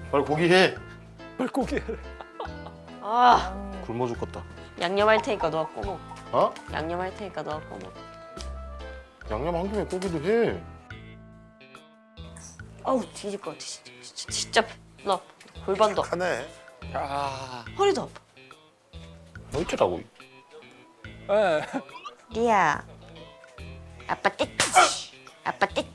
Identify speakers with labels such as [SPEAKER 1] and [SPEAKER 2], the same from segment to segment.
[SPEAKER 1] 빨리 고기 해.
[SPEAKER 2] 물고기.
[SPEAKER 3] 아,
[SPEAKER 1] 굶어 죽겠다.
[SPEAKER 3] 양념할 테니까 너가 꺼먹.
[SPEAKER 1] 어?
[SPEAKER 3] 양념할 테니까 너가 꺼먹.
[SPEAKER 1] 양념 한 김에 고기도 해.
[SPEAKER 3] 아우 뒤질 것 같아 진짜. 나 골반도 아파.
[SPEAKER 4] 착하네.
[SPEAKER 2] 야.
[SPEAKER 3] 허리도 아파.
[SPEAKER 1] 어쩌라고.
[SPEAKER 2] 예.
[SPEAKER 3] 리아, 아빠 떼치. 아빠 떼치.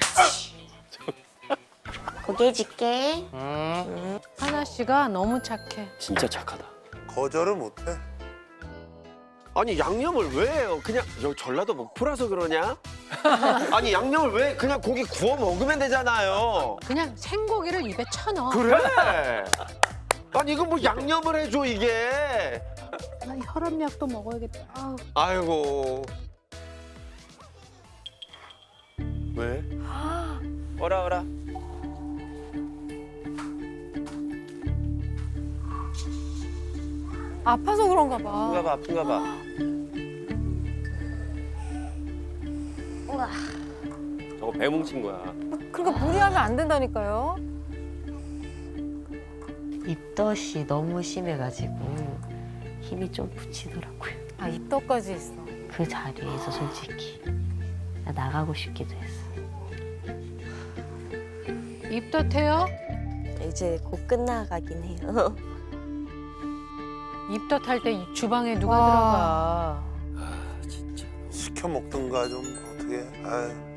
[SPEAKER 3] 고기 해줄게.
[SPEAKER 5] 하나 씨가 너무 착해.
[SPEAKER 2] 진짜 착하다.
[SPEAKER 4] 거절을 못해.
[SPEAKER 6] 아니 양념을 왜 해요? 그냥 여기 전라도 목포라서 그러냐? 아니 양념을 왜 그냥 고기 구워 먹으면 되잖아요.
[SPEAKER 5] 그냥 생고기를 입에 쳐넣어.
[SPEAKER 6] 그래. 아니 이거 뭐 양념을 해줘 이게.
[SPEAKER 5] 나 혈압약도 먹어야겠다. 아우.
[SPEAKER 6] 아이고.
[SPEAKER 4] 왜?
[SPEAKER 6] 어라 어라.
[SPEAKER 7] 아파서 그런가 봐.
[SPEAKER 6] 아픈가 봐 아픈가 봐.
[SPEAKER 3] 우와.
[SPEAKER 6] 저거 배 뭉친 거야.
[SPEAKER 7] 그러니까 무리하면 안 된다니까요.
[SPEAKER 3] 입덧이 너무 심해가지고 힘이 좀 붙이더라고요.
[SPEAKER 7] 아, 입덧까지 있어.
[SPEAKER 3] 그 자리에서 솔직히 나 나가고 싶기도 했어.
[SPEAKER 5] 입덧해요?
[SPEAKER 3] 이제 곧 끝나가긴 해요.
[SPEAKER 5] 입덧할 때 이 주방에 누가
[SPEAKER 7] 와.
[SPEAKER 5] 들어가.
[SPEAKER 6] 아 진짜.
[SPEAKER 4] 시켜 먹든가 좀 어떻게. 아유.